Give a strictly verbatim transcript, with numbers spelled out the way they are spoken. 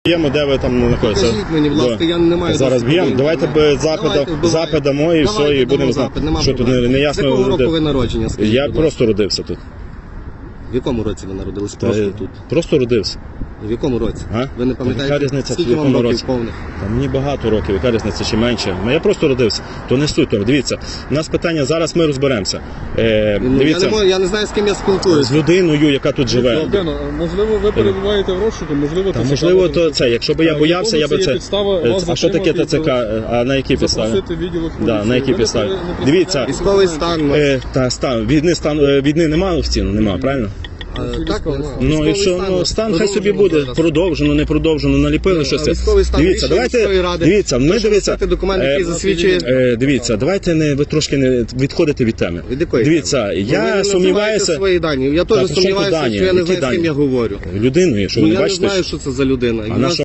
Б'ємо, де ви там знаходитеся. Покажіть мені, будь ласка, я не маю... Зараз б'ємо. Давайте б запит, запит дамо і все, і будемо знати. Що тут не, не ясно. З якого року ви народження, скажіть, Я будь просто родився тут. В якому році ви народились? Та, Просто тут. Просто родився. В якому році? А? Ви не Яка пам'ятаєте, різниця, в скільки вам якому років році? повних? Та мені багато років, яка різниця чи менше. Ну, я просто родився. То не суть того. Дивіться, у нас питання, зараз ми розберемося. Е, Ну, дивіться, я, не можу, я не знаю, з ким я з спілкуюся. людиною, яка тут живе. Богдано, можливо, ви перебуваєте в розшуку, можливо, Та, ТЦК можливо, вас то це, якщо б я Е, боявся, я би є це... підстава Е, вас А що таке затримати ТЦК? А на якій підставі? запросити відділок Да, поліції. на якій Ви не підставі? при- не представляєте- Дивіться, Військовий стан. ну, Е, та стан, війни, стан, е, війни немає офіційно, немає, правильно? а, Так, нема. Ну і Військовий що, ну, стан хай собі продовжено буде, зараз. продовжено, не продовжено, наліпили Ну, щось. а це. військовий стан Дивіться, рішення міської давайте, ради. дивіться, ми Прошу дивіться, написати документ, який е, засвідчує... е, дивіться, давайте не, ви трошки не відходите від теми. Від якої Дивіться, теми? Ну, ви я не називаєте сумніваюся, свої дані. Я Та, теж при чому тут сумніваюся, дані? що я не Які знаю, з ким дані? я говорю. людиною, що Ну, ви не я не бачите? знаю, що це за людина. А І на нас що